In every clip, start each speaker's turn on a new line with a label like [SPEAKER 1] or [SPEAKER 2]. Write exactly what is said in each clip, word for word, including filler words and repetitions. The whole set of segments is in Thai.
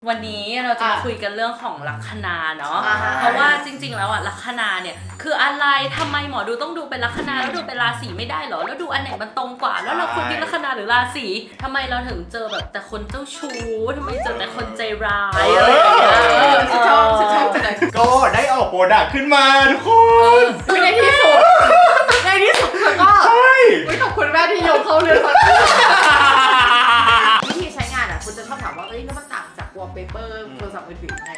[SPEAKER 1] วันนี้เราจะมาคุยกันเรื่องของลัคนาเนาะ
[SPEAKER 2] อ่า
[SPEAKER 1] เพราะว่าจริงๆแล้วอะลัคนาเนี่ยคืออะไรทำไมหมอดูต้องดูเป็นลัคนาแล้วดูเป็นราศีไม่ได้เหรอแล้วดูอันไหนมันตรงกว่าแล้วเราควรยึดลัคนาหรือราศีทำไมเราถึงเจอแบบแต่คนเจ้าชู้ทำไมเจอแต่คนใจร้ายอะไรอย่างเงี้ย
[SPEAKER 2] ฉันชอบฉันชอบจังเลย
[SPEAKER 3] ก็ได้ออกโปรดักต์ขึ้นมาทุกคน
[SPEAKER 2] ในที่สุดในที่สุดเธอก็
[SPEAKER 3] ใช่
[SPEAKER 2] ไม่ขอบคุณแม่ที่โยงเข้าเรื่องวิธีใช้งานอ่ะคุณจะชอบถามว่าเอ้ยแล้วมันต่างจากวอลเปเปอร์โทรศัพท์มือถือไง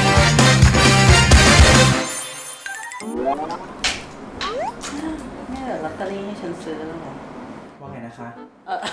[SPEAKER 1] นี่เหรอลอตเตอรี่ให้ฉันซื้อแล้วเหรอ
[SPEAKER 4] ว่าไงนะคะ
[SPEAKER 1] เออ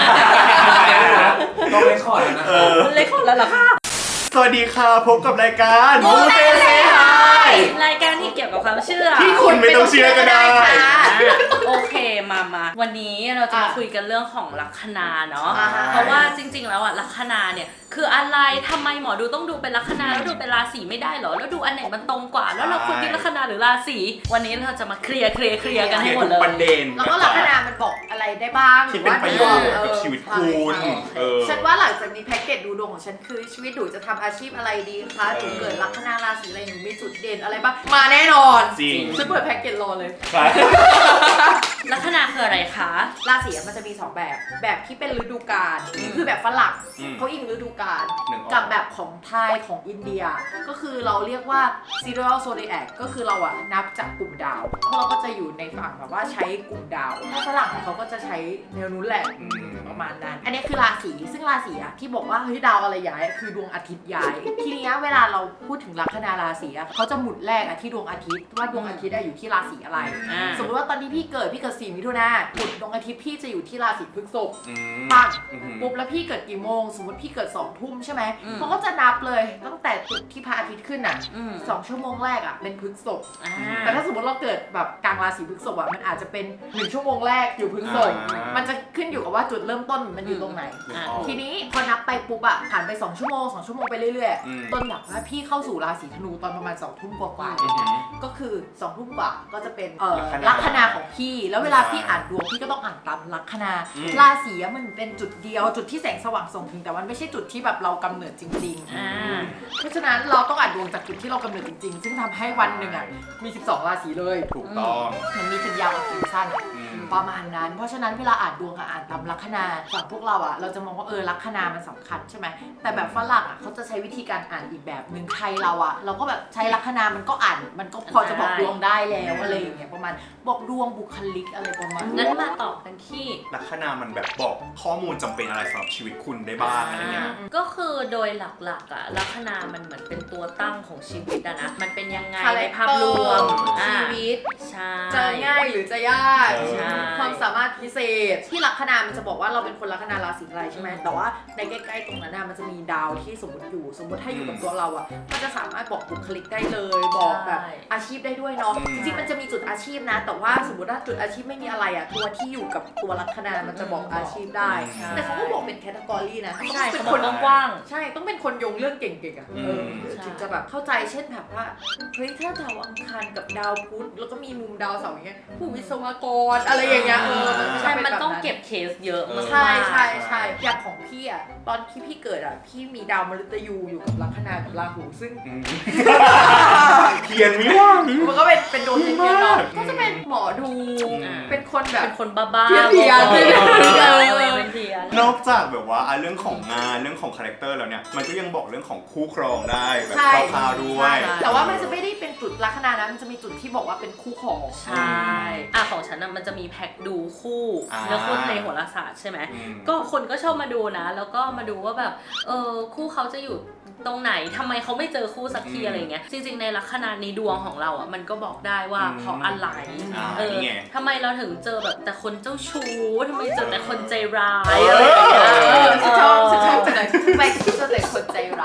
[SPEAKER 4] ต้องเลคคอร์ดแล้วนะ
[SPEAKER 3] เออ
[SPEAKER 1] เล็กคนแล้วเหรอคะ
[SPEAKER 3] สวัสดีค่ะพบกับรายการมูเตเซฮาย
[SPEAKER 1] รายการที่เกี่ยวกับความเชื่อ
[SPEAKER 3] ที่คุณไม่ต้องเชื่อก็ได้
[SPEAKER 1] โอเคมามาวันนี้เราจะมาคุยกันเรื่องของลัคนาเนาะ
[SPEAKER 2] อ่า
[SPEAKER 1] เพราะว่าจริงๆแล้วอะลัคนาเนี่ยคืออะไรทำไมหมอดูต้องดูเป็นลัคนาแล้วดูเป็นราศีไม่ได้เหรอแล้วดูอันไหนมันตรงกว่าแล้วเราควรยึดลัคนาหรือราศีวันนี้เราจะมาเคลียร์เคลียร์เคลียร์กันให้หมดเลย
[SPEAKER 3] ประเด็น
[SPEAKER 2] แล้วก็ลัคนามันบอกอะไรได้บ้าง
[SPEAKER 3] ที่เป็นประโยชน์กับชีวิตคุณ
[SPEAKER 2] ใช่
[SPEAKER 3] เออ
[SPEAKER 2] ฉันว่าหลังจากนี้แพ็กเกจดูดวงของฉันคือชีวิตหนูจะทำอาชีพอะไรดีคะหนูเกิดลัคนาราศีอะไรหนูมีจุดเด่นอะไรบ้างมาแน่นอน
[SPEAKER 3] จริง
[SPEAKER 2] ฉันเปิดแพ็กเกจรอเลย
[SPEAKER 3] ใช่
[SPEAKER 1] ลัคนาคืออะไรคะ
[SPEAKER 2] ราศีมันจะมีสองแบบ แบบที่เป็นฤดูกาลคือแบบฝรั่ง
[SPEAKER 3] อืม
[SPEAKER 2] เขาอิงฤดูกาล
[SPEAKER 3] หนึ่งออก
[SPEAKER 2] กับแบบของไทยของอินเดีย ก็คือเราเรียกว่า serial zodiac ก็คือเราอะนับจากกลุ่มดาวเพราะเราก็จะอยู่ในฝั่งแบบว่าใช้กลุ่มดาวถ้าฝรั่งเขาก็จะใช้แนวนู้นแหละ
[SPEAKER 3] อืม
[SPEAKER 2] ประมาณนั้น อันนี้คือราศีซึ่งราศีอะที่บอกว่าเฮ้ยดาวอะไรย้ายคือดวงอาทิตย์ย้าย ทีนี้เวลาเราพูดถึงลัคนาราศีอะเขาจะหมุดแรกอะที่ดวงอาทิตย์ว่าดวงอาทิตย์อะอยู่ที่ราศีอะไร
[SPEAKER 1] อ่า
[SPEAKER 2] สมมติว่าตอนที่พี่เกิดพี่เกิดสี่มิถุนาหมุดดวงอาทิตย์พี่จะอยู่ที่ราศีพฤษภ
[SPEAKER 3] อืม
[SPEAKER 2] ปัง
[SPEAKER 3] อืม
[SPEAKER 2] ปุ๊บแล้วพี่เกิดกี่โมง สมมติพี่เกิดสองทุ่มใช่ไหม
[SPEAKER 1] อืม
[SPEAKER 2] เขาก็จะนับเลยตั้งแต่จุดที่พระอาทิตย์ขึ้นอ่ะ
[SPEAKER 1] อืม
[SPEAKER 2] สองชั่วโมงแรกอ่ะเป็นพฤษภ
[SPEAKER 1] อ่า
[SPEAKER 2] แต่ถ้าสมมติเราเกิดแบบกลางราศีพฤษภอ่ะมันอาจจะเป็นหนึ่งชั่วโมงแรกอยู่พฤษภ
[SPEAKER 3] อ่ามั
[SPEAKER 2] มันจะขึ้นอยู่กับว่าจุดเริ่มต้นมันอยู่ตรงไหน
[SPEAKER 1] อ่า
[SPEAKER 2] ทีนี้พอนับไปปุ๊บอ่ะผ่านไปสองชั่วโมงสองชั่วโมงไปเรื่อย
[SPEAKER 3] อืม
[SPEAKER 2] ๆจนแบบว่าพี่เข้าสู่ราศีธนูตอนประมาณสองทุ่มกว่าๆ
[SPEAKER 3] อืม
[SPEAKER 2] ก็คือสองทุ่มกว่าก็จะเป็นเอ่อ
[SPEAKER 3] ลั
[SPEAKER 2] ลั
[SPEAKER 3] ค
[SPEAKER 2] ค
[SPEAKER 3] นา
[SPEAKER 2] นาของพี่ แล้วเวลาพี่อ่านดวงพี่ก็ต้องอ่านตามลัคนา
[SPEAKER 3] อืม
[SPEAKER 2] ราศีอะมันเป็นจุดเดียวจุดที่แสงสว่างส่งถึงแต่มันไม่ใช่จุดที่แบบเรากำเนิดจริง
[SPEAKER 1] อ่า
[SPEAKER 2] ๆ เพราะฉะนั้นเราต้องอ่านดวงจากจุดที่เรากำเนิดจริงๆ ซึ่งทำให้วันหนึ่งอ่ะมีสิบสองราศีเลย
[SPEAKER 3] ถูกต้อง
[SPEAKER 2] มันมีถึงยาวกับถึงสั้นอะ
[SPEAKER 3] อืม
[SPEAKER 2] ประมาณนั้น เพราะฉะนั้นเวลาอ่านดวงอะอ่านตามลัคนาฝั่งพวกเราอ่ะเราจะมองว่าเออลัคนามันสำคัญใช่ไหมแต่แบบฝรั่งอ่ะเขาจะใช้วิธีการอ่านอีกแบบหนึ่งไทยเราอ่ะเราก็แบบใช้ลัคนามันก็อ่านมันก็พอจะบอกดวงได้แล้วอะไรอย่างเงี้ยประมาณบอกดวงบุคลิกอะไรประมาณ
[SPEAKER 1] งั้นมาต่อกันที่
[SPEAKER 3] ลัคนามันแบบบอกข้อมูลจำเป็นอะไรสำหรับชีวิตคุณได้บ้างอะไรเงี้ย
[SPEAKER 1] ก็คือโดยหลักๆอะลัคนามันเหมือนเป็นตัวตั้งของชีวิตอะนะมันเป็นยังไงในภาพรวมอ่า
[SPEAKER 2] ชีวิต
[SPEAKER 1] ใช่
[SPEAKER 2] จะง่ายหรือจะยาก
[SPEAKER 3] ใช่
[SPEAKER 2] ความสามารถพิเศษ ที่ลัคนามันจะบอกว่าเราเป็นคนลัคนาราศีอะไรใช่ไหม
[SPEAKER 1] อืม
[SPEAKER 2] แต่ว่าในใกล้ๆตรงนั้นน่ะมันจะมีดาวที่สมมติอยู่ สมมติถ้าอยู่กับตัวเราอ่ะมันจะสามารถบอกบุคลิกได้เลย บอกแบบอาชีพได้ด้วยเนาะ
[SPEAKER 3] อืม
[SPEAKER 2] จริงๆมันจะมีจุดอาชีพนะ แต่ว่าสมมติว่าจุดอาชีพไม่มีอะไรอ่ะตัวที่อยู่กับตัวลัคนามันจะบอกอาชีพได้ แต่เขาก็บอกเป็นแคตตากรีนะ
[SPEAKER 1] ใช่
[SPEAKER 2] เป็
[SPEAKER 1] เขา
[SPEAKER 2] น
[SPEAKER 1] บ
[SPEAKER 2] ค
[SPEAKER 1] อน กกว้าง
[SPEAKER 2] ใช่ ต้องเป็นคนโยงเรื่องเก่งๆอ่ะ
[SPEAKER 3] อืม
[SPEAKER 2] เออถึงจะแบบเข้าใจ เช่นแบบว่า เฮ้ย ถ้าดาวอังคารกับดาวพุธ แล้วก็มีมุมดาวเสาร์อย่างเงี้ย ผู้วิศวกร อะไรอย่างเงี้ย เออ
[SPEAKER 1] ใช่
[SPEAKER 2] จะเป็
[SPEAKER 1] มัน
[SPEAKER 2] แบบ
[SPEAKER 1] ต้องเก็บเคสเยอะมากๆ
[SPEAKER 2] ใช่ใช่ใช่อย่างของพี่อ่ะ ตอนที่พี่เกิดอ่ะ พี่มีดาวมฤตยูอยู่กับลัคนากับราหู ซึ่ง
[SPEAKER 3] อืมเขียนวิว่าง
[SPEAKER 2] มันก็เป็นเป็นดวงเทียนๆเนาะก็จะเป็นหมอดู
[SPEAKER 1] อ่า
[SPEAKER 2] เป็นคนแบบ
[SPEAKER 1] เป็นคนบ้าๆ
[SPEAKER 2] เพี้ยนๆ
[SPEAKER 1] เออ
[SPEAKER 2] เพี้ยนๆ
[SPEAKER 1] เป็นเพี้ยน
[SPEAKER 3] นอกจากแบบว่าอ่ะเรื่องของงานเรื่องของคาแรคเตอร์แล้วเนี่ยมันก็ยังบอกเรื่องของคู่ครองได้แบบ
[SPEAKER 2] ใช่
[SPEAKER 3] คร่าวๆด้วย
[SPEAKER 2] ใช่แต่ว่ามันจะไม่ได้เป็นจุดลัคนานะ มันจะมีจุดที่บอกว่าเป็นคู่ของ
[SPEAKER 1] ใช่อ่ะของฉันน่ะมันจะมีแพ็คดูคู่
[SPEAKER 3] อ่า
[SPEAKER 1] แล้วคู่ในโหราศาสตร์ใช่ไหม
[SPEAKER 3] อืม
[SPEAKER 1] ก็คนก็ชอบมาดูนะ แล้วก็มาดูว่าแบบเออคู่เขาจะอยู่ตรงไหนทำไมเขาไม่เจอคู่สักที
[SPEAKER 3] อืม
[SPEAKER 1] อะไรเงี้ยจริงๆในลัคนาในดวงของเราอ่ะมันก็บอกได้ว่า
[SPEAKER 3] อืม
[SPEAKER 1] เพราะอะไร
[SPEAKER 3] อ่า
[SPEAKER 1] เออ
[SPEAKER 3] นี่ไง
[SPEAKER 1] ทำไมเราถึงเจอแบบแต่คนเจ้าชู้ทำไมเจอแต่คนใจร้ายอะไรอย่างเงี้ย
[SPEAKER 3] เออ
[SPEAKER 2] ฉันชอบฉันชอบจังเลยทำไมฉันเจอแต่คนใจร้าย
[SPEAKER 1] ใช่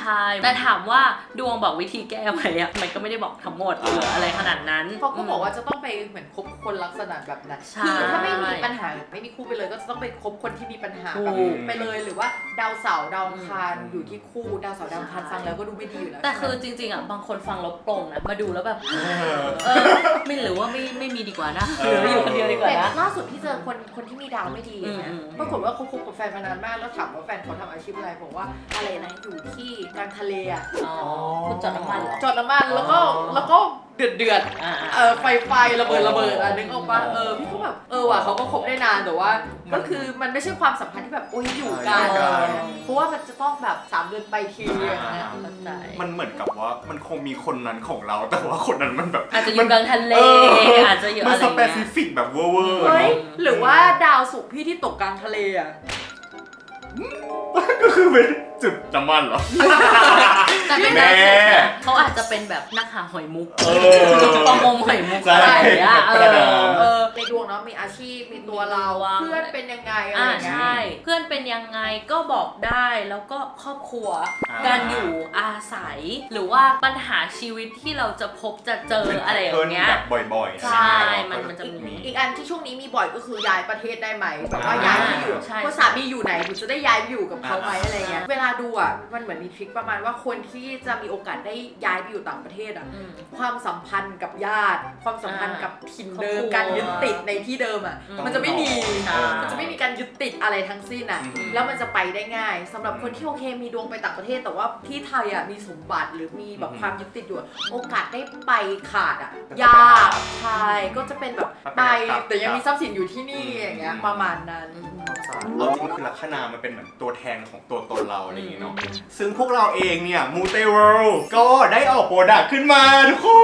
[SPEAKER 1] ช่แต่ถามว่าดวงบอกวิธีแก้ไหมอะมันก็ไม่ได้บอกทั้งหมดหรืออะไรขนาดนั้น
[SPEAKER 2] เขาก็บอกว่าจะต้องไปเหมือนคบคนลักษณะแบบนั้น
[SPEAKER 1] ใช่
[SPEAKER 2] คือถ้าไม่มีปัญหาไม่มีคู่ไปเลยก็จะต้องไปคบคนที่มีปัญหาแบบ
[SPEAKER 1] ถูก
[SPEAKER 2] ไปเลยหรือว่าดาวเสาร์ดาวอังคารอยู่ที่คู่ดาวเสาร์ดาวอังคารฟังแล้วก็ดูไม่ดีอยู่แล้ว
[SPEAKER 1] แต่คือจริงๆอ่ะบางคนฟังแล้วปลงนะมาดูแล้วแบบเออไม่หรือว่าไม่ไม่มีดีกว่านะหรืออยู่คนเดียวดีกว่า
[SPEAKER 2] แต่
[SPEAKER 1] นะ
[SPEAKER 2] ล่าสุดพี่เจอคนคนที่มีดาวไม่ดีนะ
[SPEAKER 1] อืม
[SPEAKER 2] ปรากฏว่าเขาคบกับแฟนมานานมากแล้วถามว่าแฟนเขาทำอาชีพอะไรบอกว่าอะไรนะอยู่ที่กลางทะเลอ่ะ
[SPEAKER 1] อ๋อคุณจอดน้ำมันเหรอ
[SPEAKER 2] จอดน้ำมันแล้วก็แล้วก็เดือดเดือด
[SPEAKER 1] อ่า
[SPEAKER 2] เออไฟไฟระเบิดระเบิดอ่ะนึกออกปะเออพี่ก็แบบเออว่ะเขาก็คบได้นานแต่ว่า ก็คือมันไม่ใช่ความสัมพันธ์ที่แบบโอ้ยอยู่กัน
[SPEAKER 3] ใช่
[SPEAKER 2] เพราะว่ามันจะต้องแบบสามเดือนไปทีอย่างเงี้ย
[SPEAKER 1] เข้าใจ
[SPEAKER 3] มันเหมือนกับว่ามันคงมีคนนั้นของเราแต่ว่าคนนั้นมันแบบ
[SPEAKER 1] อาจจะอยู่กลางทะเล
[SPEAKER 3] เออ
[SPEAKER 1] อาจจะอยู่
[SPEAKER 3] มั
[SPEAKER 1] อะ
[SPEAKER 3] น
[SPEAKER 1] ไร
[SPEAKER 3] ส
[SPEAKER 1] เงี้ย
[SPEAKER 3] เปซิฟิกแบบเวอร์เวอร์
[SPEAKER 2] เฮ้ย
[SPEAKER 3] เนาะ
[SPEAKER 2] หรือว่าดาวศุกร์พี่ที่ตกกลางทะเลอ่ะ
[SPEAKER 3] ก็คือเป็นจุดน้ำมันเหรอ
[SPEAKER 1] แต่เป็น
[SPEAKER 3] แม่
[SPEAKER 1] ดาวศุกร์นะเขาอาจจะเป็นแบบนักหาหอยมุก
[SPEAKER 3] เออ
[SPEAKER 1] ประมงหอยมุก
[SPEAKER 3] ใช่
[SPEAKER 1] อะไรอย่างเงี้ยเอ
[SPEAKER 3] ประดา
[SPEAKER 1] อ
[SPEAKER 2] เออในดวงเนาะมีอาชีพมีตัวเราเพื่อนเป็นยังไงอะไร
[SPEAKER 1] อ่า
[SPEAKER 2] อย่างเงี้ย
[SPEAKER 1] ใช่ เพื่อนเป็นยังไงก็บอกได้แล้วก็ครอบครัว
[SPEAKER 3] อ่า
[SPEAKER 1] การอยู่อาศัย หรือว่าปัญหาชีวิตที่เราจะพบจะเจออะไรอย่างเงี้ย
[SPEAKER 3] แบบบ่อยๆ
[SPEAKER 1] ใช่
[SPEAKER 3] อะไรเงี้ย
[SPEAKER 1] มันมันจะ
[SPEAKER 2] อีก
[SPEAKER 1] มี
[SPEAKER 2] อีกอันที่ช่วงนี้มีบ่อยก็คือย้ายประเทศได้ไหมแบบว่าย้ายที่อยู่
[SPEAKER 1] ใช่
[SPEAKER 2] ว่าสามีอยู่ไหนหนูจะได้ย้ายไปอยู่กับเขาไหมอะไรเงี้ยเวลาดูอ่ะมันเหมือนมีทริคประมาณว่าคนที่จะมีโอกาสได้ย้ายไปอยู่ต่างประเทศอ่ะ
[SPEAKER 1] อืม
[SPEAKER 2] ความสัมพันธ์กับญาติ ความสัมพันธ์กับถิ่นเดิม
[SPEAKER 1] ครอบครัว
[SPEAKER 2] การยึดติดในที่เดิมอ่ะ
[SPEAKER 1] อืม
[SPEAKER 2] มันจะไม่มี
[SPEAKER 1] ใช่
[SPEAKER 2] มันจะไม่มีการยึดติดอะไรทั้งสิ้นอ่ะ
[SPEAKER 3] อืม
[SPEAKER 2] แล้วมันจะไปได้ง่ายสำหรับคนที่โอเคมีดวงไปต่างประเทศ แต่ว่าที่ไทยอ่ะมีสมบัติหรือมีแบบ
[SPEAKER 3] อืม
[SPEAKER 2] ความยึดติดอยู่อะโอกาสได้ไปขาดอ่ะ
[SPEAKER 3] ก็จะ
[SPEAKER 2] ยาก
[SPEAKER 3] เป็น
[SPEAKER 2] ใช่ก็จะเป็นแบบ
[SPEAKER 3] ถ้าเป็น
[SPEAKER 2] ไป
[SPEAKER 3] กลับ
[SPEAKER 2] แต่ยังมีทรัพย์สินอยู่ที่นี่
[SPEAKER 3] อืม
[SPEAKER 2] อย่างเงี้ยประมาณนั้น
[SPEAKER 3] เอาจริงคือลัคนามันเป็นเหมือนตัวแทนของตัวตนเราอะไรอย่างเงี้ยเนาะ ซึ่งพวกเราเองเนี่ยมูเตเวิลด์ก็ได้ออกโปรดักต์ขึ้นมาทุกคน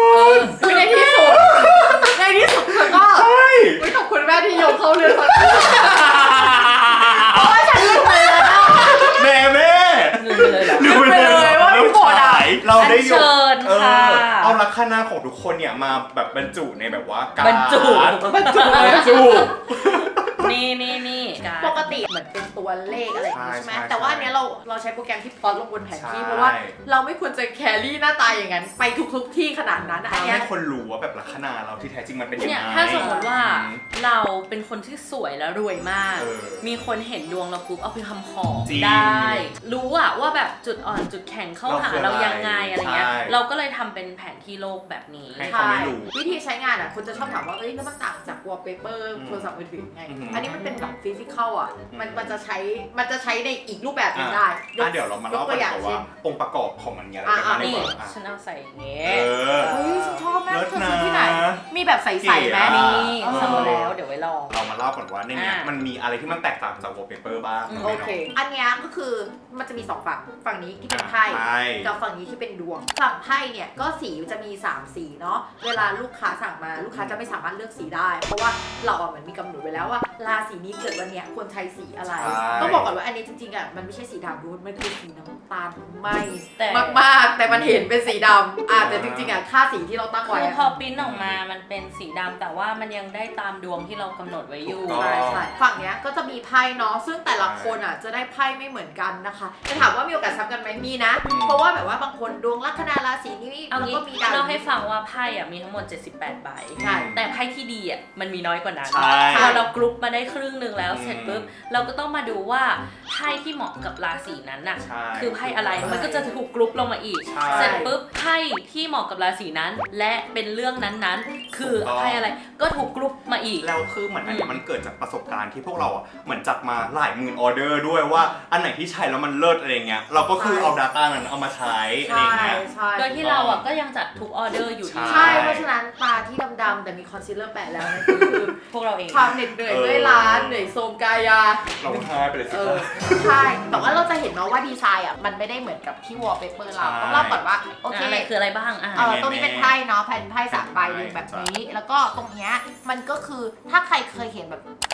[SPEAKER 2] คือในที่สุดในที่สุดเธอก็
[SPEAKER 3] ใช่
[SPEAKER 2] เฮ้ยขอบคุณแม่ที่ยกเข้าเรื่องสักทีโอ้ยฉันลืมไปแล้ว
[SPEAKER 3] แม่แม่
[SPEAKER 1] ลืมไปเลยเหรอ
[SPEAKER 2] ลืมไปเลยว่ามีโปรดักต์
[SPEAKER 3] เราได้ย
[SPEAKER 1] อัญเชิญ
[SPEAKER 3] เออ
[SPEAKER 1] ค่ะ
[SPEAKER 3] เอาลัคนาของทุกคนเนี่ยมาแบบบรรจุในแบบว่าการ
[SPEAKER 1] บรรจุ
[SPEAKER 3] บรรจุบรรจุ
[SPEAKER 1] นี่นี่นี่การ
[SPEAKER 2] ปกติเหมือนเป็นตัวเลขอะไรอย่างงี้
[SPEAKER 3] ใช่
[SPEAKER 2] ใช่ไหม
[SPEAKER 3] ใช่
[SPEAKER 2] แต่ว่าอันเนี้ยเราเราใช้โปรแกรมที่พลอตลงบนแผนที่
[SPEAKER 3] ใช่
[SPEAKER 2] เพราะว่าเราไม่ควรจะแครี่หน้าตาอย่างนั้นไปทุกๆที่ขนาดนั้นอัน
[SPEAKER 3] ทำ
[SPEAKER 2] เนี้ย
[SPEAKER 3] ให้คนรู้ว่าแบบลัคนาเราที่แท้จริงมันเป็นยัง
[SPEAKER 1] เนี่ย
[SPEAKER 3] ไง
[SPEAKER 1] ถ้าสมมติว่า
[SPEAKER 3] อืม
[SPEAKER 1] เราเป็นคนที่สวยและรวยมาก
[SPEAKER 3] เออ
[SPEAKER 1] มีคนเห็นดวงเราปุ๊บเอาไปทำของ
[SPEAKER 3] จริง
[SPEAKER 1] ได้ รู้อะว่าแบบจุดอ่อนจุดแข็งเข้าหา
[SPEAKER 3] เราคือ
[SPEAKER 1] เรายังไงอะไรเงี้ย
[SPEAKER 3] ใช่
[SPEAKER 1] เราก็เลยทำเป็นแผนที่โลกแบบนี้
[SPEAKER 3] ให้ เขาไม่รู้
[SPEAKER 2] วิธีใช้งานอ่ะคนจะชอบถามว่าเอ้ยแล้วมันต่างจากวอลเปเปอร์
[SPEAKER 3] อืม
[SPEAKER 2] โทรศัพท์มือถือยังไง
[SPEAKER 3] อืม
[SPEAKER 2] อันนี้มันเป็นแบบฟิสิกอลอ่ะ
[SPEAKER 3] อืม
[SPEAKER 2] มันมันจะใช้มันจะใช้ในอีกรูปแบบหนึง
[SPEAKER 3] อ่ะ
[SPEAKER 2] ได้
[SPEAKER 3] อ่ะเดี๋ยวเรามาเล่ากัน
[SPEAKER 2] ยกตัวอย่าง
[SPEAKER 3] ก่อนว่า
[SPEAKER 2] เช่น
[SPEAKER 3] องค์ประกอบของมันมีอะไรกันบ้าง
[SPEAKER 2] อ่ะ
[SPEAKER 3] ดี
[SPEAKER 1] นี่
[SPEAKER 3] กว่าอ่ะ
[SPEAKER 1] ฉันเอาใส่อย่างเงี้
[SPEAKER 3] เอย อ
[SPEAKER 2] เฮ้ยฉันชอบมาก
[SPEAKER 3] เลิศ
[SPEAKER 2] เธอซื้อที่ไหน
[SPEAKER 3] นะ
[SPEAKER 2] มีแบบใสๆไหม
[SPEAKER 3] เก๋อะ
[SPEAKER 1] นี่
[SPEAKER 2] เออ
[SPEAKER 1] สั่งมาแล้วเดี๋ยวไว้ลอง
[SPEAKER 3] เรามาเล่าก่อนว่าในเนี้ย
[SPEAKER 1] อ่ะ
[SPEAKER 3] มันมีอะไรที่มันแตกต่างจาก wallpaper บ้าง
[SPEAKER 1] อืม
[SPEAKER 2] โอเค อันเนี้ยก็คือมันจะมีสองฝั่ง ฝั่งนี้ที่เป็นไพ่
[SPEAKER 3] ใช่
[SPEAKER 2] กับฝั่งนี้ที่เป็นดวง ฝั่งไพ่เนี่ยก็สีจะมีสามสีเนาะ เวลาลูกค้าสั่งมาลูกค้าจะไม่สามารถเลือกสีได้ เพราะว่าเราอ่ะเหมือนมีกำหนดไว้แล้วว่าราศีนี้เกิดวันเนี้ยควรใช้สีอะไร
[SPEAKER 3] ใช่
[SPEAKER 2] ต้องบอกก่อนว่าอันนี้จริงๆอ่ะมันไม่ใช่สีดำด้วยมันคือสีน้ำตาลไหม
[SPEAKER 1] แต่
[SPEAKER 2] มากๆ แต่มันเห็นเป็นสีดำอ่ะแต่จริงๆอ่ะค่าสีที่เราตั้ง
[SPEAKER 1] คื
[SPEAKER 2] ไว้
[SPEAKER 1] อ
[SPEAKER 2] อะ
[SPEAKER 1] พอปริ้นออกมามันเป็นสีดำแต่ว่ามันยังได้ตามดวงที่เรากำหนดไว้อยู่
[SPEAKER 3] ถูกต้อง
[SPEAKER 2] ใช่ใช่ฝั่งเนี้ยก็จะมีไพ่เนาะซึ่งแต่ละคนอ่ะจะได้ไพ่ไม่เหมือนกันนะคะจะถามว่ามีโอกาสซ้ำกันไหมมีนะ
[SPEAKER 3] อืม
[SPEAKER 2] เพราะว่าแบบว่าบางคนดวงลัคนาราศีนี้
[SPEAKER 1] เอา
[SPEAKER 2] แล้ว
[SPEAKER 1] งี้
[SPEAKER 2] ก็มีดาว
[SPEAKER 1] เราให้ฟังว่าไพ่อะมีทั้งหมดเจ็ดสิบแปดใบ
[SPEAKER 2] ใช่
[SPEAKER 1] แต่ไพ่ที่ดีอะมันมีน้อยกว่านั้น
[SPEAKER 3] ใช่
[SPEAKER 1] พอเรากรุ๊ปมาได้ครึ่งหนึ่งแล้ว
[SPEAKER 3] อืม
[SPEAKER 1] เสร็จปุ๊บเราก็ต้องมาดูว่าไพ่ที่เหมาะกับราศีนั้นน่ะ
[SPEAKER 3] ใช่
[SPEAKER 1] คือไพ่อะไรมันก็จะถูกกรุ๊ปลงมาอีก
[SPEAKER 3] ใช่
[SPEAKER 1] เสร็จปุ๊บไพ่ที่เหมาะกับราศีนั้น และเป็นเรื่องนั้นๆ คือ
[SPEAKER 3] ถูกต้อง
[SPEAKER 1] ไพ่อะไรก็ถูกกรุ๊ปมาอีก
[SPEAKER 3] แล้วคือเหมือนอันเนี้ย
[SPEAKER 1] อืม
[SPEAKER 3] มันเกิดจากประสบการณ์ที่พวกเราอ่ะเหมือนจัดมาหลายหมื่นออเดอร์ด้วยว่าอันไหนที่ใช้แล้วมันเลิศอะไรเงี้ยเราก็คือเอา Data นั้นเอามาใช้อะไร
[SPEAKER 2] ใช่
[SPEAKER 3] เงี้ย
[SPEAKER 2] ใช่
[SPEAKER 1] โดยที่เราอะก็ยังจัดทุกออเดอร์อยู่ดี
[SPEAKER 3] ใช่
[SPEAKER 2] ใช่เพราะฉะนั้นตาที่ดำๆแต่มีคอนซีลเลอร์แปะแล้วนั่นคือ
[SPEAKER 1] พวกเราเอง
[SPEAKER 2] ความเหน็ดเหนื่อยด้วยร้านเหนื่อยโทรมกายา
[SPEAKER 3] เราหายไปเลยสิ
[SPEAKER 2] เอ
[SPEAKER 3] ครั
[SPEAKER 2] อบ ใช่ แต่ว่าเราจะเห็นเนาะว่าดีไซน์อ่ะมันไม่ได้เหมือนกับที่วอลเปเปอร์เรา
[SPEAKER 3] ใช่
[SPEAKER 2] ต้องเล่าก่อนว่าโอเค
[SPEAKER 1] อะไรคืออะไรบ้างอ่ะ
[SPEAKER 2] เออตรงนี้เป็นไพ่เนาะแผ่นไพ่สามใบเรียงแบบนี้ แล้วก็ตรงเนี้ยมันก็คือถ้าใครเคยเห็นแบบ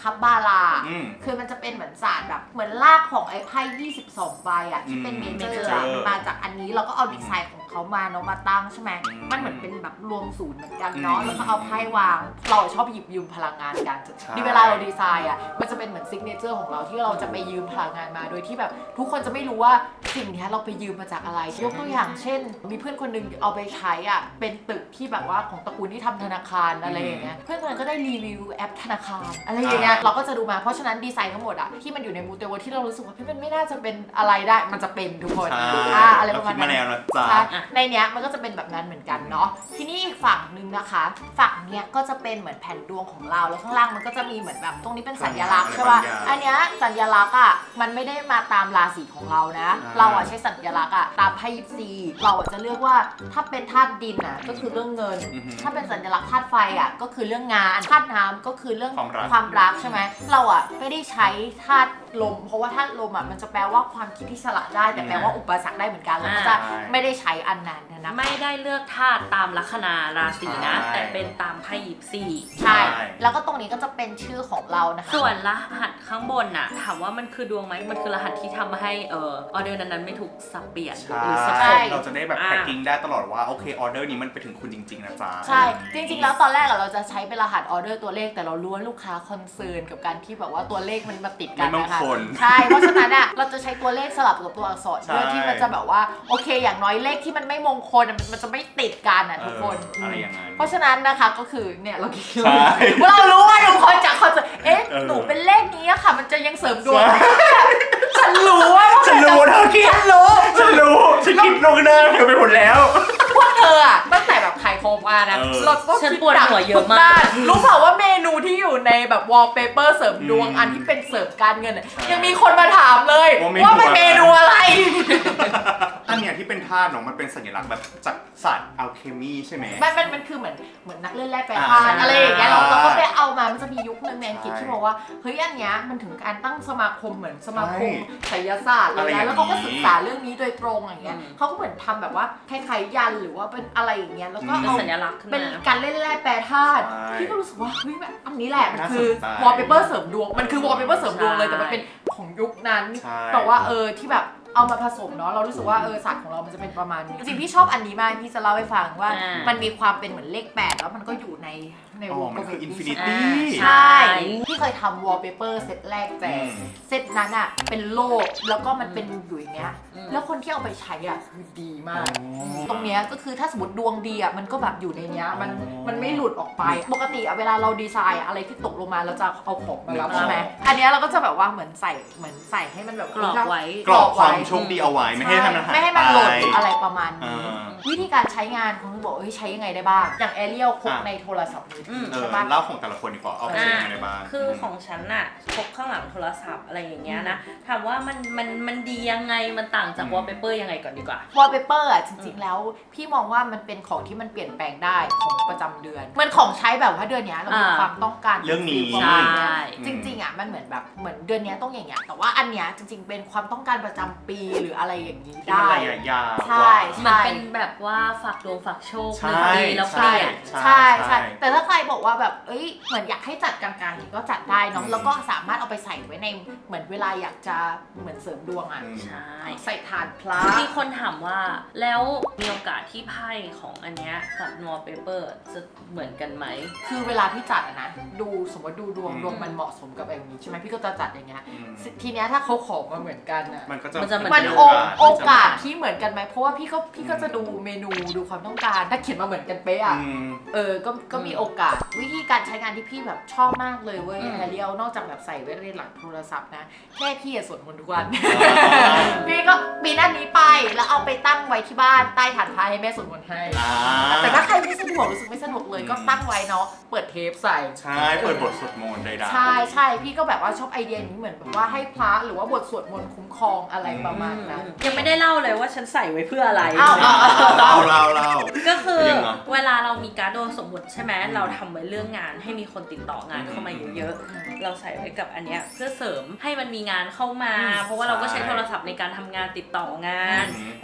[SPEAKER 2] คับบาลา
[SPEAKER 3] อืม
[SPEAKER 2] คือมันจะเป็นเหมือนศาสตร์แบบเหมือนลากของไอ้ไพ่ยี่สิบสองใบอ่ะที่เป็น
[SPEAKER 3] อืม
[SPEAKER 2] เมเจอ
[SPEAKER 3] major
[SPEAKER 2] ร์มันมาจากอันนี้เราก็เอาดีไซน์ของเขามาเนาะมาตั้งใช่ไหม
[SPEAKER 3] อืม
[SPEAKER 2] มันเหมือนเป็นแบบรวมศูนย์เหมือนกันเนาะ
[SPEAKER 3] อืม
[SPEAKER 2] แล้วก็เอาไพ่วางเราชอบหยิบยืมพลังงานกัน
[SPEAKER 3] ใช่
[SPEAKER 2] ดีเวลาเราดีไซน์อ่ะมันจะเป็นเหมือนซิกเนเจอร์ของเราที่เราจะไปยืมพลังงานมาโดยที่แบบทุกคนจะไม่รู้ว่าสิ่งนี้เราไปยืมมาจากอะไรยกตัวอย่างเช่น มีเพื่อนคนหนึงเอาไปใช้อ่ะเป็นตึกที่แบบว่าของตระกูลที่ทำธนาคารอะไรอย่างเงี้ยเพื่อนคนนั้นก็ได้รีวิวแอปธนาคารอะไรอย่างเงี้ยเราก็จะดูมาเพราะฉะนั้นดีไซน์ทั้งหมดอ่ะที่มันอยู่ในมูเตเวิร์ที่เรารู้สึกว่าพี่มันไม่น่าจะเป็นอะไรได้มันจะเป็นทุกคน
[SPEAKER 3] ใช่
[SPEAKER 2] อ่าอะไรประมาณ
[SPEAKER 3] เคิดมา
[SPEAKER 2] นั้น
[SPEAKER 3] แล้วนะจ๊ะ
[SPEAKER 2] ใช่ในเนี้ยมันก็จะเป็นแบบนั้นเหมือนกันเนาะทีนี้อีกฝั่งหนึ่งนะคะ ฝั่งเนี้ยก็จะเป็นเหมือนแผ่นดวงของเราแล้วข้างล่างมันก็จะมีเหมือนแบบตรงนี้เป็นสัญลักษณ์ใช่ป่ะ
[SPEAKER 3] อะไรบางอย่าง
[SPEAKER 2] อันเนี้ยสัญลักษณ์อ่ะมันไม่ได้มาตามราศีของเรานะ
[SPEAKER 3] อ่า
[SPEAKER 2] เราอ่ะใช้สัญลักษณ์อ่ะตามไพ่ยิปซีเราอ่ะจะเลือกว่าถ้าเป็นธาตุดินอ่ะก็คือเรื่องเงิน
[SPEAKER 3] อือหือ
[SPEAKER 2] ถ้าเป็นสัญลักษณ์ธาตุไฟอ่ะก็คือเรื่องงานธาตุน้ำก็คือเรื่อง
[SPEAKER 3] ความรัก
[SPEAKER 2] ความรักใช่ไหมเราอ่ะไม่ได้ใช้ธาตุลม เพราะว่าธาตุลมอ่ะมันจะแปลว่าความคิดที่ฉลาดได้แต่แปลว่าอุปสรรคได้เหมือนกันเราก็จะ
[SPEAKER 3] ใช่
[SPEAKER 2] ไม่ได้ใช้อันนั้นนะ
[SPEAKER 1] ไม่ได้เลือกธาตุตามลัคนาราศีนะ
[SPEAKER 3] ใช่
[SPEAKER 1] แต่เป็นตามไพ่ยิปซี
[SPEAKER 2] ใช่ แล้วก็ตรงนี้ก็จะเป็นชื่อของเรานะคะ
[SPEAKER 1] ส่วนรหัสข้างบนน่ะถามว่ามันคือดวงไหมมันคือรหัสที่ทำให้เออออเดอร์นั้นๆไม่ถูกสับเปลี่ยน
[SPEAKER 3] ใช่
[SPEAKER 1] หรือสับส
[SPEAKER 2] ใช่
[SPEAKER 1] น
[SPEAKER 3] เราจะได้แบบ
[SPEAKER 1] อ่า
[SPEAKER 3] แพ็กกิ้งได้ตลอดว่าโอเคออเดอร์นี้มันไปถึงคุณจริง ๆ นะจ๊ะ
[SPEAKER 2] ใช่ จริงๆ แล้วตอนแรกอะเราจะใช้เป็นรหัสออเดอร์ตัวเลขแต่เรารู้ว่าลูกค้าคอนเซิร์นกับการที่แบบว่าตัวเลขมันมาติดกัน
[SPEAKER 3] ไม่มง
[SPEAKER 2] นะคะ
[SPEAKER 3] คล
[SPEAKER 2] ใช่ เพราะฉะนั้นอะเราจะใช้ตัวเลขสลับกับตัวอักษร
[SPEAKER 3] ใช่
[SPEAKER 2] เพื่อที่มันจะแบบว่าโอเคอย่างน้อยเลขที่มันไม่มงคลอะมันมันจะไม่ติดกันอะทุกคน
[SPEAKER 3] เอออะไรอย่างนั้น
[SPEAKER 2] เพราะฉะนั้นนะคะก็คือเนี่ยเราคิด
[SPEAKER 3] ใช่
[SPEAKER 2] ว่าเรารู้ว่าทุกคนจากคอนเสิร์ตเอ๊ะ
[SPEAKER 3] เออ
[SPEAKER 2] หนูเป็นเลขนี้อะค่ะ มันจะยังเสริมดวง
[SPEAKER 3] ใช่
[SPEAKER 2] ฉันรู้ว่า
[SPEAKER 3] ฉันรู้เธอคิด
[SPEAKER 2] ฉันรู้
[SPEAKER 3] ฉันรู้ฉันคิดลงหน้าเธอไปหมดแล้ว
[SPEAKER 2] พวกเธออะตั้งแต่แบบขายโคมมานะ
[SPEAKER 3] เออ
[SPEAKER 2] เราต้อง
[SPEAKER 1] ฉัน
[SPEAKER 2] คิด
[SPEAKER 1] ปวดหัวเยอะมาก
[SPEAKER 2] ทุด้นรู้เปล่าว่าเมนูที่อยู่ในแบบวอลเปเปอร์เสริมดวง
[SPEAKER 3] อืม
[SPEAKER 2] อันที่เป็นเสริมการเงินอะ
[SPEAKER 3] ใช่
[SPEAKER 2] ยังมีคนมาถามเลย
[SPEAKER 3] ว่าเมนู
[SPEAKER 2] ว่ามันเมนูอะไร
[SPEAKER 3] อันเนี้ยที่เป็นธาตุเนาะมันเป็นสัญลักษณ์แบบจากศาสตร์อัลเคมีใช่ไหม
[SPEAKER 2] มันมันมันคือเหมือนเหมือนนักเล่นแร่แปร
[SPEAKER 3] อ่า
[SPEAKER 2] ธาตุอะไรอย่างเงี้ยเรา
[SPEAKER 3] ใช่
[SPEAKER 2] เราก็ไปเอามามันจะมียุคนึงในอังกฤษ
[SPEAKER 3] ใช่
[SPEAKER 2] ที่บอกว่าเฮ้ยอันเนี้ยมันถึงการตั้งสมาคมเหมือนสมาคม
[SPEAKER 3] ใช่
[SPEAKER 2] ไสยศาสตร์เล
[SPEAKER 3] อะไร
[SPEAKER 2] ย
[SPEAKER 3] อย่างนี้
[SPEAKER 2] นะแล้วเขาก็ศึกษาเรื่องนี้โดยตรงอย่างเงี้ย
[SPEAKER 1] อืม
[SPEAKER 2] เขาก็เหมือนทำแบบว่าคล้ายๆยันหรือว่าเป็นอะไรอย่างเงี้ยแล้วก็
[SPEAKER 1] เป็น
[SPEAKER 2] เอา
[SPEAKER 1] สัญลักษณ์ขึ้น
[SPEAKER 2] เป็น
[SPEAKER 1] มา
[SPEAKER 2] การเล่นแร่แปรธาตุ
[SPEAKER 3] ใช่
[SPEAKER 2] พี่ก็รู้สึกว่าเฮ้ยแบบอันนี้แหละมัน
[SPEAKER 3] น่า
[SPEAKER 2] คือ
[SPEAKER 3] สนใจ
[SPEAKER 2] วอลเปเปอร์เสริมดวงมันคือวอลเปเปอร์เสริมดวงเลย
[SPEAKER 1] ใช่
[SPEAKER 2] แต่มันเป็นของยุคนั้น
[SPEAKER 3] ใช่
[SPEAKER 2] แต่ว่าเออที่แบบเอามาผสมเนาะเรารู้สึกว่าเออศาสตร์ของเรามันจะเป็นประมาณนี้จริงๆพี่ชอบอันนี้มากพี่จะเล่าให้ฟังว่า
[SPEAKER 1] อ่ามั
[SPEAKER 2] มันมีความเป็นเหมือนเลขแปดแล้วมันก็อยู่ในใน
[SPEAKER 3] อ๋
[SPEAKER 2] ว
[SPEAKER 3] อง มันคือ
[SPEAKER 2] กลม
[SPEAKER 3] อินฟิ
[SPEAKER 2] นี้
[SPEAKER 3] นิตี้
[SPEAKER 2] ใช่พี่เคยทำวอลเปเปอร์เซตแรกแจก
[SPEAKER 3] อืม
[SPEAKER 2] เซตนั้นอ่ะเป็นโลกแล้วก็มันเป็นอยู่อย่างเงี้ย
[SPEAKER 1] อืม
[SPEAKER 2] แล้วคนที่เอาไปใช้อ่ะคือดีมาก
[SPEAKER 3] อ๋อ
[SPEAKER 2] ตรงเนี้ยก็คือถ้าสมมติดวงดีอ่ะมันก็แบบอยู่ในเนี้ยมัน
[SPEAKER 3] อ๋อ
[SPEAKER 2] มันไม่หลุดออกไป ปกติอ่ะเวลาเราดีไซน์อะอะไรที่ตกลงมาเราจะเอาของมารับ
[SPEAKER 3] นึกออก
[SPEAKER 2] ใช่ไหมอันเนี้ยเราก็จะแบบว่าเหมือนใส่เหมือนใส่ให้มันแบบ
[SPEAKER 1] กรอบไว้
[SPEAKER 3] กรอบความโชคดีเอาไว้ไม่ให้ทำอาหาร
[SPEAKER 2] ไม่ให้มันหล่นหรืออะไรประมาณ
[SPEAKER 3] อ่
[SPEAKER 2] นี้
[SPEAKER 3] า
[SPEAKER 2] วิธีการใช้งานของบอกเอ้ยใช้ยังไงได้บ้าง อย่างแอเรียลพก
[SPEAKER 3] อ่ะ
[SPEAKER 2] ในโทรศัพท์มือ
[SPEAKER 1] อื
[SPEAKER 2] ถื
[SPEAKER 1] ม
[SPEAKER 2] อ
[SPEAKER 3] เออ
[SPEAKER 2] ใช่ปะ
[SPEAKER 3] เล่าของแต่ละคนดีกว่าเอาไปใช้ยังไงในบ้าน
[SPEAKER 1] คือของฉันน่ะพกข้างหลังโทรศัพท์อะไรอย่างเงี้ยนะถามว่ามันมันมันดียังไงมันต่างจาก
[SPEAKER 3] อืม
[SPEAKER 1] วอลเปเปอร์ยังไงก่อนดีกว่า
[SPEAKER 2] วอลเปเปอร์อ่ะจริงๆแล้วพี่มองว่ามันเป็นของที่มันเปลี่ยนแปลงได้ของประจำเดือนเหมือนของใช้แบบว่าเดือนเนี้ยเรามี
[SPEAKER 1] อ่า
[SPEAKER 2] ความต้องการ
[SPEAKER 3] เรื่องนี้
[SPEAKER 2] ฟิลประมาณเนี้ย
[SPEAKER 1] ใช่
[SPEAKER 2] จริงๆอ่ะมันเหมือนแบบเหมือนเดือนเนี้ยต้องอย่างเงี้ยแต่ว่าอันเนี้ยจริง ๆ เป็นความต้องการประจำปีหรืออะไรอย่างนี้
[SPEAKER 3] ที่มัน
[SPEAKER 2] ได้
[SPEAKER 3] ระยะยาว
[SPEAKER 2] ใช่
[SPEAKER 1] มันเป็นแบบว่าฝากดวงฝากโชค
[SPEAKER 3] ใช่
[SPEAKER 1] หนึ่งปีแล้วเปลี่ยน
[SPEAKER 2] ใช่ใช่แต่ถ้าใครบอกว่าแบบเอ้ยเหมือนอยากให้จัดกลางๆก็จัดได้เนาะ
[SPEAKER 3] อืม
[SPEAKER 2] แล้วก็สามารถเอาไปใส่ไว้ในเหมือนเวลาอยากจะเหมือนเสริมดวงอ่ะ
[SPEAKER 3] อืม
[SPEAKER 1] ใช่
[SPEAKER 2] ใส่ถาดพระ
[SPEAKER 1] มีคนถามว่าแล้วมีโอกาสที่ไพ่ของอันเนี้ยกับวอลเปเปอร์จะเหมือนกันไหม
[SPEAKER 2] คือเวลาพี่จัดอะนะดูสมมติดูดวง
[SPEAKER 3] อืม
[SPEAKER 2] ดวงมันเหมาะสมกับอย่างนี้ใช่ไหมพี่ก็จะจัดอย่างเงี้ย
[SPEAKER 3] อืม
[SPEAKER 2] ทีเนี้ยถ้าเขาขอมาเหมือนกันอะ
[SPEAKER 3] มันก็จะ
[SPEAKER 1] มันจะเหมื
[SPEAKER 2] มัน
[SPEAKER 1] เดิ
[SPEAKER 2] โอโอ
[SPEAKER 3] ที่จะ
[SPEAKER 2] กาสที่เหมือนกันไหมเพราะว่าพี่ก็พี่ก็จะดูเมนูดูความต้องการถ้าเขียนมาเหมือนกันเป๊ะอะ
[SPEAKER 3] อืม
[SPEAKER 2] เออ ก็ ก็มีโอกาส วิธีการใช้งานที่พี่แบบชอบมากเลยเว้ย
[SPEAKER 3] อืม
[SPEAKER 2] แฮร์เรียลนอกจากแบบใส่ไว้ในหลังโทรศัพท์นะ แค่พี่อะสวดมนต์ทุกวัน
[SPEAKER 3] อ่า
[SPEAKER 2] พี่ก็ปีนอันนี้ไป แล้วเอาไปตั้งไว้ที่บ้านใต้ฐานพระให้แม่สวดมนต์ให้
[SPEAKER 3] อ่า
[SPEAKER 2] แต่ถ้าใครไม่สะดวกรู้สึกไม่สะดวกเลย
[SPEAKER 3] อืม
[SPEAKER 2] ก็ตั้งไว้เนาะ เปิดเทปใส่
[SPEAKER 3] ใช่เปิดบทสวดมนต์ใดๆ
[SPEAKER 2] ใช่ใช่พี่ก็แบบว่าชอบไอเดียนี้เหมือนแบบว่าให้พระหรือว่าบทสวดมนต์คุ้มครองอะไรประมาณนั้น
[SPEAKER 1] ยังไม่ได้เล่าเลยว่าฉันใส่ไว้เพื่ออะไร
[SPEAKER 2] อ้าวอ้าวอ้าว
[SPEAKER 3] เราเราเรา
[SPEAKER 1] ก็คือ
[SPEAKER 3] ยังไง
[SPEAKER 1] เวลาเรามีการ์ดโดยสมมติใช่ไหม
[SPEAKER 3] อืม
[SPEAKER 1] เราทำไว้เรื่องงานให้มีคนติดต่องานเข้ามาเยอะๆเราใส่ไว้กับอันเนี้ยเพื่อเสริมให้มันมีงานเข้ามา
[SPEAKER 3] อืม
[SPEAKER 1] เพราะว่าเราก็ใช้
[SPEAKER 3] ใช่
[SPEAKER 1] โทรศัพท์ในการทำงานติดต่องาน
[SPEAKER 3] อืม
[SPEAKER 1] อะไรแบบนั้น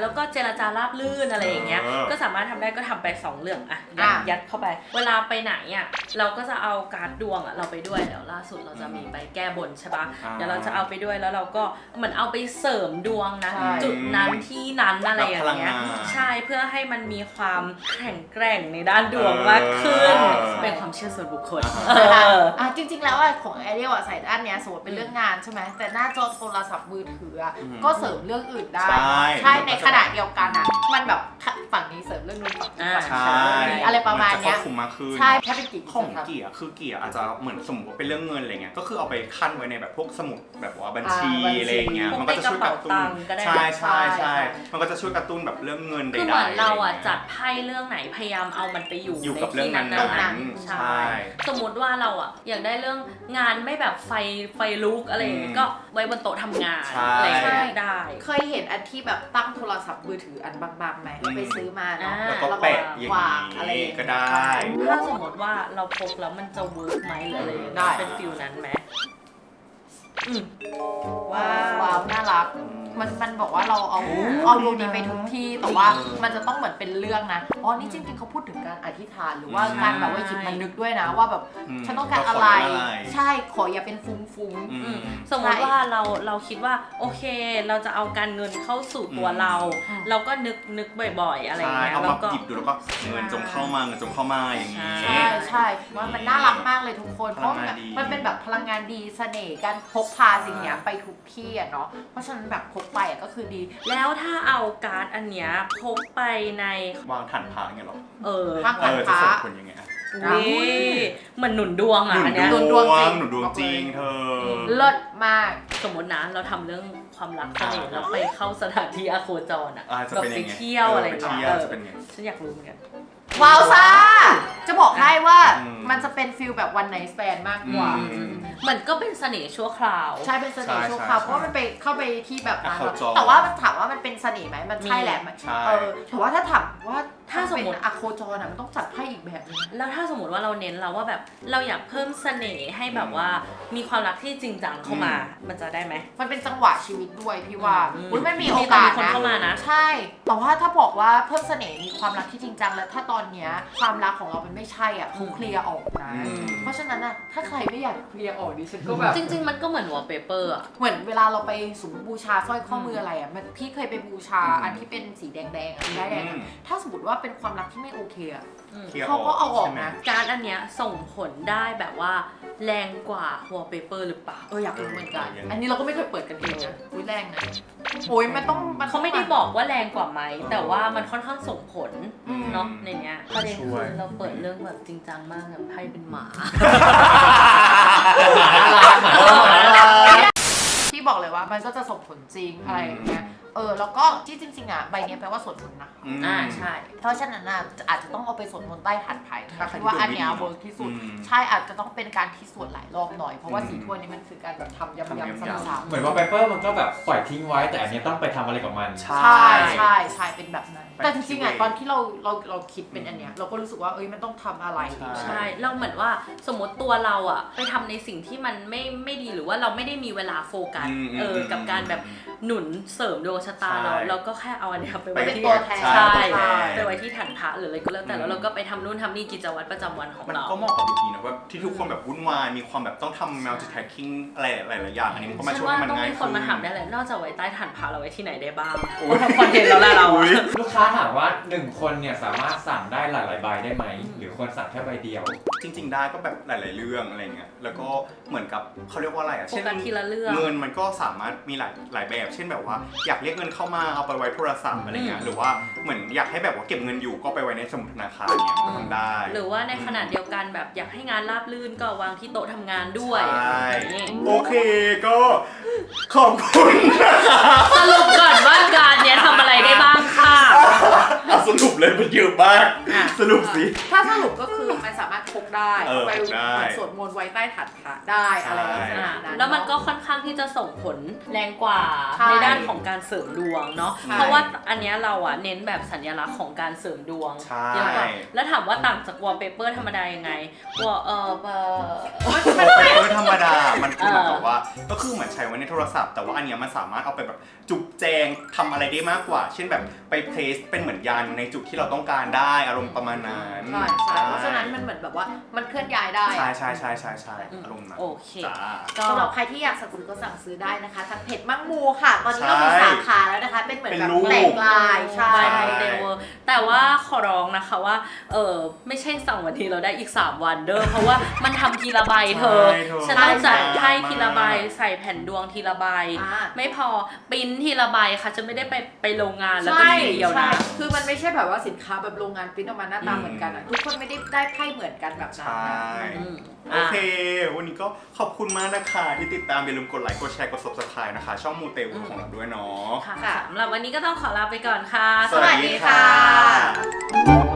[SPEAKER 1] แล้วก็เจรจาราบลื่นอะไรอย่างเงี้ย
[SPEAKER 3] เออ
[SPEAKER 1] ก็สามารถทำได้ก็ทำไปสองเรื่องอะยัด
[SPEAKER 2] อ่ะ
[SPEAKER 1] ยัดเข้าไป เวลาไปไหนอะเราก็จะเอาการ์ดดวงอะเราไปด้วยเดี๋ยวล่าสุดเราจะมีไปแก้บนใช่ปะ
[SPEAKER 3] อ่า
[SPEAKER 1] เดี๋ยวเราจะเอาไปด้วยแล้วเราก็เหมือนเอาไปเสริมดวงนะ
[SPEAKER 2] ใช่
[SPEAKER 1] จุดนั้นที่นั้นอะไรอย่างเงี้ย
[SPEAKER 3] แบบพลังงาน
[SPEAKER 1] ใช่เพื่อให้มันมีความแข็งแกร่งในด้านดวงมากขึ้น
[SPEAKER 3] เออ
[SPEAKER 1] เป็นความเชื่อส่วนบุคคล
[SPEAKER 3] อ่า
[SPEAKER 1] เออ
[SPEAKER 2] อ่ะจริงๆแล้วอ่ะของแอเรียลอ่ะใส่ด้านเนี้ยสมมติเป็นเรื่องงานใช่ไหมแต่หน้าจอโทรศัพท์มือถืออ่ะ
[SPEAKER 3] อืม
[SPEAKER 2] ก็เสริมเรื่องอื่นได้
[SPEAKER 3] ใช่
[SPEAKER 2] ใช่ในขณะเดียวกันอ่ะมันแบบฝั่งนี้เสริมเรื่องนู้นฝั่งนี้
[SPEAKER 1] อ่า
[SPEAKER 2] ฝั่ง
[SPEAKER 3] ใช่
[SPEAKER 2] นี้เสริมเรื่องนี้อะไรประมาณเนี้ย
[SPEAKER 3] นจครอบคลุมมากขึ้น
[SPEAKER 2] ใช่ถ้าเป็นกี่
[SPEAKER 3] ของเกียร์คือเกียร์อาจจะเหมือนสมมติว่าเป็นเรื่องเงินอะไรเงี้ยก็คือเอาไปขั้นไว้ในแบบพวกสมุดแบบว่าบัญชี
[SPEAKER 2] อ่าบัญชี
[SPEAKER 3] อะไรเงี้ย
[SPEAKER 1] พวก
[SPEAKER 3] มันก็จะช่วยกระตุ้
[SPEAKER 1] ในกระ
[SPEAKER 3] น
[SPEAKER 1] เป๋าตังค์ก็ได้
[SPEAKER 3] ใช่ใช่
[SPEAKER 2] ใช่
[SPEAKER 3] ใช่มันก็จะช่วยกระตุ้นแบบเรื่องเงินใดๆ
[SPEAKER 1] คือเหมือนเราอ่ะ
[SPEAKER 3] ไรงี้ย
[SPEAKER 1] จัดไพ่เรื่องไหนพยายามเอามันไปอยู่
[SPEAKER 3] อยู่
[SPEAKER 1] ใน
[SPEAKER 3] กับเรื่อ
[SPEAKER 1] ที่
[SPEAKER 3] งนั้
[SPEAKER 1] นั้น
[SPEAKER 3] น
[SPEAKER 1] ๆ
[SPEAKER 3] ๆ
[SPEAKER 1] ใช่
[SPEAKER 3] ใช่
[SPEAKER 1] สมมติว่าเราอ่ะอยากได้เรื่องงานไม่แบบไฟไฟลุกอะไรอย่างเงี้ย
[SPEAKER 3] อืม
[SPEAKER 1] ก็ไว้บนโต๊ะทำงาน
[SPEAKER 3] ใช่
[SPEAKER 1] อะไรอย่างเงี้ยได้
[SPEAKER 2] เคยเห็นอันที่แบบตั้งโทรศัพท์มือถืออันบางๆไหมเราไปซื้อมาเนาะ
[SPEAKER 1] อ่า
[SPEAKER 3] แล้วก็แปะอย่าง
[SPEAKER 2] วางอะไรอย่าง
[SPEAKER 3] นี้
[SPEAKER 2] เงี้ย
[SPEAKER 3] ก็ได้
[SPEAKER 1] ถ้าสมมติว่าเราพกแล้วมันจะเวิร์กไหมหรืออะไรอย่าง
[SPEAKER 2] ได้
[SPEAKER 1] เงี้ยเป็นฟิลนั้นไหมอืม
[SPEAKER 2] ว้า
[SPEAKER 1] ว้าว
[SPEAKER 2] วน่ารัก มันมันบอกว่าเราเอา
[SPEAKER 1] อ่า
[SPEAKER 2] เอาดวงนี้ไปทุกที่แต่ว่า
[SPEAKER 3] เออ
[SPEAKER 2] มันจะต้องเหมือนเป็นเรื่องนะอ๋อนี่จริงๆเขาพูดถึงการอธิษฐานหรือว่า
[SPEAKER 3] ใช่
[SPEAKER 2] การแบบว่าหยิบมันนึกด้วยนะว่าแบบ
[SPEAKER 3] อืม
[SPEAKER 2] ฉันต้องการ
[SPEAKER 3] เราขอ
[SPEAKER 2] อะไร
[SPEAKER 3] อะไร
[SPEAKER 2] ใช่ขออย่าเป็นฟุ้งฟุ้ง
[SPEAKER 3] อืม
[SPEAKER 1] สมมติว่าเราเราคิดว่าโอเค เราจะเอาการเงินเข้าสู่ตัวเรา
[SPEAKER 2] อืม
[SPEAKER 1] เราก็นึกนึกบ่อยๆ อะไรอย่าง
[SPEAKER 3] ใช่
[SPEAKER 1] เงี้ย
[SPEAKER 3] เอา
[SPEAKER 1] แล้
[SPEAKER 3] มาว
[SPEAKER 1] ก็
[SPEAKER 3] หยิบดูแล้วก็เงินจงเข้ามาเงินจงเข้ามาอย่างนี้
[SPEAKER 1] ใช่
[SPEAKER 2] ใช่ใช่ว่ามันน่ารักมากเลยทุกคนเพราะมันแบบ
[SPEAKER 3] พลังงานดี
[SPEAKER 2] มันเป็นแบบพลังงานดีเสน่ห์การพกพาสิ่งเนี้ยไปทุกที่อะเนาะเพราะฉะนั้นแบบพกไปอะก็คือดี
[SPEAKER 1] แล้วถ้าเอาการ์ดอันเนี้ยพกไปใน
[SPEAKER 3] วางฐานพระอย่างเงี้ยเหรอ
[SPEAKER 1] เออ
[SPEAKER 2] ข้าง
[SPEAKER 3] เออจะส่งผลยังไงอะ
[SPEAKER 1] อุ้ยเหมือนหนุนดวง
[SPEAKER 3] ห
[SPEAKER 1] อ่ะ
[SPEAKER 3] นุน
[SPEAKER 1] อันเนี้ย
[SPEAKER 3] ด
[SPEAKER 2] ด
[SPEAKER 3] ว
[SPEAKER 2] ว
[SPEAKER 3] ง
[SPEAKER 2] งจริง
[SPEAKER 3] หนุนดวงจริงเธอ
[SPEAKER 2] เลิศมาก
[SPEAKER 1] สมมตินะเราทำเรื่องความรักเสน่ห์
[SPEAKER 3] อ่า
[SPEAKER 1] แล้วไปเข้าสถานที่อโคจรอ่ะ
[SPEAKER 3] อ่าจะ
[SPEAKER 1] แบบ
[SPEAKER 3] เป็น
[SPEAKER 1] ไป
[SPEAKER 3] ยังไง
[SPEAKER 1] เที่ยวอะไร
[SPEAKER 3] ไป
[SPEAKER 1] อย่าง
[SPEAKER 3] เที่
[SPEAKER 1] เงี้
[SPEAKER 3] ย
[SPEAKER 1] ยว
[SPEAKER 3] จะเป็นไง
[SPEAKER 1] ฉันอยากรู้เหมือนกัน
[SPEAKER 2] ว้าวซ่าจะบอกให้ว่า
[SPEAKER 3] อืม
[SPEAKER 2] มันจะเป็นฟิลแบบวันไนท์สแตนมากกว่า
[SPEAKER 3] อืม
[SPEAKER 1] เหมือนก็เป็นเสน่ห์ชั่วคราว
[SPEAKER 2] ใช่เป็นเสน่ห์
[SPEAKER 3] ใช่
[SPEAKER 2] ชั่วคราว
[SPEAKER 3] ใช่
[SPEAKER 2] เพราะว่ามันไปเข้าไปที่แบบนั้น
[SPEAKER 3] อ่ะเข้าจอ
[SPEAKER 2] แต่ว่าถามว่ามันเป็นเสน่ห์ไหมมันใช่แหละมัน
[SPEAKER 3] ใช่
[SPEAKER 2] เออแต่ว่าถ้าถามว่า
[SPEAKER 1] ถ้าสมมุติ
[SPEAKER 2] เป็นอะโคจรอ่ะมันต้องจัดไพ่อีกแบบนึง
[SPEAKER 1] แล้วถ้าสมมติว่าเราเน้นเราว่าแบบเราอยากเพิ่มเสน่ห์ให้แบบว่ามีความรักที่จริงจังเข้ามา มันจะได้ไหม
[SPEAKER 2] มันเป็นจังหวะชีวิตด้วยพี่ว่า
[SPEAKER 1] อืม
[SPEAKER 2] อุ๊ยมันมี
[SPEAKER 1] มี
[SPEAKER 2] โอกาส
[SPEAKER 1] คน
[SPEAKER 2] นะ
[SPEAKER 1] เข้ามานะ
[SPEAKER 2] ใช่ แต่ว่าถ้าบอกว่าเพิ่มเสน่ห์มีความรักที่จริงจังแล้วถ้าตอนเนี้ยความรักของเรามันไม่ใช่อ่ะเขาเคลียร์ออกนะ
[SPEAKER 3] อืม
[SPEAKER 2] เพราะฉะนั้นอ่ะถ้าใครไม่อยากเคลียร์ออกดิฉันก็แบบ
[SPEAKER 1] จริง ๆ มันก็เหมือนวอลเปเปอร์อ่ะ
[SPEAKER 2] เหมือนเวลาเราไปสมมติบูชาสร้อยข้อมืออะไรอ่ะมันพี่เคยไปบูชา
[SPEAKER 3] อืม
[SPEAKER 2] อันที่เป็นสีแดงๆอ่ะได้แดงๆ
[SPEAKER 3] อื
[SPEAKER 2] อะ
[SPEAKER 3] ม
[SPEAKER 2] ถ้าสมมติว่าเป็นความรักที่ไม่โอเคอ่ะ
[SPEAKER 3] คลียร์
[SPEAKER 2] เขาก็เอาออก
[SPEAKER 3] ใช่ไหม
[SPEAKER 2] นะ
[SPEAKER 1] การดอันเนี้ยส่งผลได้แบบว่าแรงกว่าวอลเปเปอร์หรือเปล่า
[SPEAKER 2] เอออยากรู้เหมือนกัน
[SPEAKER 3] เออยังไง
[SPEAKER 2] อันนี้เราก็ไม่เคยเปิดกันเองนะอุ้ยแรงนะโอ้ยมันต้องน
[SPEAKER 1] เขาไม่ได้บอกว่าแรงกว่าไหม แต่ว่ามันค่อนข้างส่งผล
[SPEAKER 3] อืม
[SPEAKER 1] เนาะในเนี้ยประเด็น
[SPEAKER 3] ช่
[SPEAKER 1] คื
[SPEAKER 3] วย
[SPEAKER 1] อเราเปิดเรื่องแบบจริงจังมากแบบไพ่เป็นหมา
[SPEAKER 2] พี่บอกเลยว่ามันก็จะส่งผลจริงอะไรอย่างเงี้ยเออแล้วก็ที่จริงๆอ่ะใบเนี้ยแปลว่าสวดมนต์นะ
[SPEAKER 3] ม
[SPEAKER 1] อ่าใช่
[SPEAKER 2] เพราะฉะนั้นน่ะอาจจะต้องเอาไปสวดมนต์ใต้ฐานไผ่แต่คิดว่าอันเนี้ยเวิร์กที่สุด
[SPEAKER 3] อืม
[SPEAKER 2] ใช่อาจจะต้องเป็นการที่สวดหลายรอบหน่อยเพราะว่า
[SPEAKER 3] อืม
[SPEAKER 2] สีถ้วยนี้มันคือการแบบทำย้ำ
[SPEAKER 3] ทำ
[SPEAKER 2] ๆ
[SPEAKER 3] ย้ำ
[SPEAKER 2] ซ้ำ
[SPEAKER 4] เหมือนว่าไ p เปอร์มันก็แบบปล่อยทิ้งไว้ แต่อันเนี้ยต้องไปทำอะไรกับมัน
[SPEAKER 2] ๆ
[SPEAKER 3] ใช่
[SPEAKER 2] ใช่ใช่ใช่เป็นแบบนั้น
[SPEAKER 3] ไป
[SPEAKER 2] แต่จริงๆอ่ะ
[SPEAKER 3] ที่เว
[SPEAKER 2] ตอนที่เราเราเราคิดเป็นอันเนี้ยเราก็รู้สึกว่าเอ้ยมันต้องทำอะไร
[SPEAKER 3] ใช่
[SPEAKER 1] ใช่เราเหมือนว่าสมมติตัวเราอะไปทำในสิ่งที่มันไม่ไม่ดีหรือว่าเราไม่ได้มีเวลาโฟกัส
[SPEAKER 3] อืม
[SPEAKER 1] เออ
[SPEAKER 3] อืม
[SPEAKER 1] กับการแบบหนุนเสริมดวงชะตาเรา
[SPEAKER 3] ใช่
[SPEAKER 1] เราก็แค่เอาอันเนี้ยไป
[SPEAKER 3] ไป
[SPEAKER 1] ไว้
[SPEAKER 2] เป็น
[SPEAKER 1] ที่
[SPEAKER 2] ตัวแทน
[SPEAKER 1] ใช่
[SPEAKER 3] ใช่
[SPEAKER 1] ไปไว้ที่ฐานพระหรืออะไรก็แล้วแต่
[SPEAKER 3] อืม
[SPEAKER 1] แล้วเราก็ไปทำนู่นทำนี่กิจวัตรประจำวันของ
[SPEAKER 3] มัน
[SPEAKER 1] เรา
[SPEAKER 3] ก็เหมาะกับวิธีนะว่าที่ทุกคนแบบวุ่นวายมีความแบบต้องทำ multitasking อะไรหลายๆอย่างอันนี้มันก็มา
[SPEAKER 1] ฉัน
[SPEAKER 3] ช่วย
[SPEAKER 1] ว่า
[SPEAKER 3] ให้มัน
[SPEAKER 1] ต้อง
[SPEAKER 3] ง่าย
[SPEAKER 1] มีค
[SPEAKER 3] ขึ้
[SPEAKER 1] น
[SPEAKER 3] น
[SPEAKER 1] มาถามได้เลยนอกจากไว้ใต้ฐานพระเราไว้ที่ไหนได้บ้าง
[SPEAKER 3] โอ้
[SPEAKER 1] เราทำคอนเทนต์แล้วล่ะเรา
[SPEAKER 3] อุ๊
[SPEAKER 1] อะ
[SPEAKER 3] ย
[SPEAKER 4] ลูกค้าถามว่าหนึ่งคนเนี่ยสามารถสั่งได้หลายๆใบได้ไหม หรือควรสั่งแค่ใบเดียว
[SPEAKER 3] จริง ๆ ได้ก็แบบหลาย ๆ เรื่องอะไรเงี้ยแล้วก็เหมือนกับเขาเรียกว่าอะไรอ่ะ
[SPEAKER 1] โฟกัสทีละเรื่อง
[SPEAKER 3] เงินมันก็สามารถมีหลายหลายแบบ เช่นแบบว่าอยากเรียกเงินเข้ามาเอาไปไว้โทรศัพท์อะไรเงี้ยหรือว่าเหมือนอยากให้แบบว่าเก็บเงินอยู่ก็ไปไว้ในสมุดธนาคารเนี่ยก็ทำได้
[SPEAKER 1] หรือว่าในขณะเดียวกันแบบอยากให้งานราบรื่นก็วางที่โต๊ะทำงานด้วย
[SPEAKER 3] ใช่
[SPEAKER 1] นี่
[SPEAKER 3] โอเคก็ขอบคุณนะคะ
[SPEAKER 1] สรุปก่อนว่าการเนี้ยทำอะไรได้บ้างค่ะ
[SPEAKER 3] เอาสรุปเลยเลยมันเยอะมาก
[SPEAKER 1] อ่ะ
[SPEAKER 3] สรุปสิ
[SPEAKER 2] ถ้าสรุปก็คือมันสามารถพกได้
[SPEAKER 3] เออ
[SPEAKER 2] ไป
[SPEAKER 3] พกได้
[SPEAKER 2] เหมือนสวดมนต์ไว้ใต้ฐานพระได้อะไรลักษณะนั้น
[SPEAKER 1] แล้วมันก็ค่อนข้างที่จะส่งผลแรงกว่า
[SPEAKER 2] ใช่
[SPEAKER 1] ในด้านของการเสริมดวงเนาะ
[SPEAKER 2] ใช่
[SPEAKER 1] เพราะว่าอันเนี้ยเราอะเน้นแบบสัญลักษณ์ของการเสริมดวง
[SPEAKER 3] ใช่
[SPEAKER 1] เยอะกว่าแล้วถามว่าต่างจากวอลเปเปอร์ธรรมดายังไงวอลเออเออ
[SPEAKER 3] โอเปเปอร์ธรรมดา มันคือเหมือนกับว่า ก็คือเหมือนใช้ไว้ในโทรศัพท์ แต่ว่าอันเนี้ยมันสามารถเอาไปแบบจุกแจงทำอะไรได้มากกว่า เช่นแบบไปเพลสเป็นเหมือนยันในจุดที่เราต้องการได้อารมณ์ประมาณนั้น
[SPEAKER 2] ใช่ใช่เพราะฉะนั้นมันเหมือนแบบว่ามันเคลื่อนย้ายได้
[SPEAKER 3] ใช่
[SPEAKER 2] อะ
[SPEAKER 3] ใช่ใช่ใช่ใช่อารมณ์นั้น
[SPEAKER 1] โอเค
[SPEAKER 3] จ้า
[SPEAKER 1] ก็
[SPEAKER 2] สำหรับใครที่อยากสั่งซื้อก็สั่งซื้อได้นะคะทางเพจมั่งมูค่ะ ตอนนี้เรามี
[SPEAKER 3] ใช่
[SPEAKER 2] สาขาแล้วนะคะ เป็นเหมือน
[SPEAKER 3] เป็น
[SPEAKER 2] แบบ
[SPEAKER 3] รูป
[SPEAKER 2] แตกลายใช่
[SPEAKER 1] ใช่โมเดลแต่ว่าขอร้องนะคะว่าเออไม่ใช่สั่งวันทีเราได้อีก สาม วันเด้อเพราะว่ามันทำทีละใบเธอ
[SPEAKER 3] ใช่เธอ
[SPEAKER 1] ฉันต้องจัด
[SPEAKER 3] ใช่
[SPEAKER 1] ให้ทีละใบใส่แผ่นดวงทีละใบ
[SPEAKER 2] อ่า
[SPEAKER 1] ไม่พอปริ้นทีละใบค่ะจะไม่ได้ไปไปโรงงานแล้วก็
[SPEAKER 2] ใช่
[SPEAKER 1] ทีเดียว
[SPEAKER 2] ใช่
[SPEAKER 1] นะ
[SPEAKER 2] คือมันไม่ใช่แบบว่าสินค้าแบบโรงงานปริ้นออกมาหน้าตา
[SPEAKER 3] อืม
[SPEAKER 2] เหมือนกันอ่ะ ทุกคนไม่ได้ได้ไพ่เหมือนกันแบบนั้น
[SPEAKER 3] ใช่
[SPEAKER 2] นะ
[SPEAKER 1] อืม
[SPEAKER 3] โอเค วันนี้ก็ขอบคุณมากนะคะ ที่ติดตามอย่าลืมกดไลค์ กดแชร์ กด ซับสไครบ์ นะคะ ช่องมูเตลูของเราด้วยเนาะ
[SPEAKER 1] ค่ะสำหรับวันนี้ก็ต้องขอลาไปก่อนค่ะ
[SPEAKER 3] สวัสดีค่ะ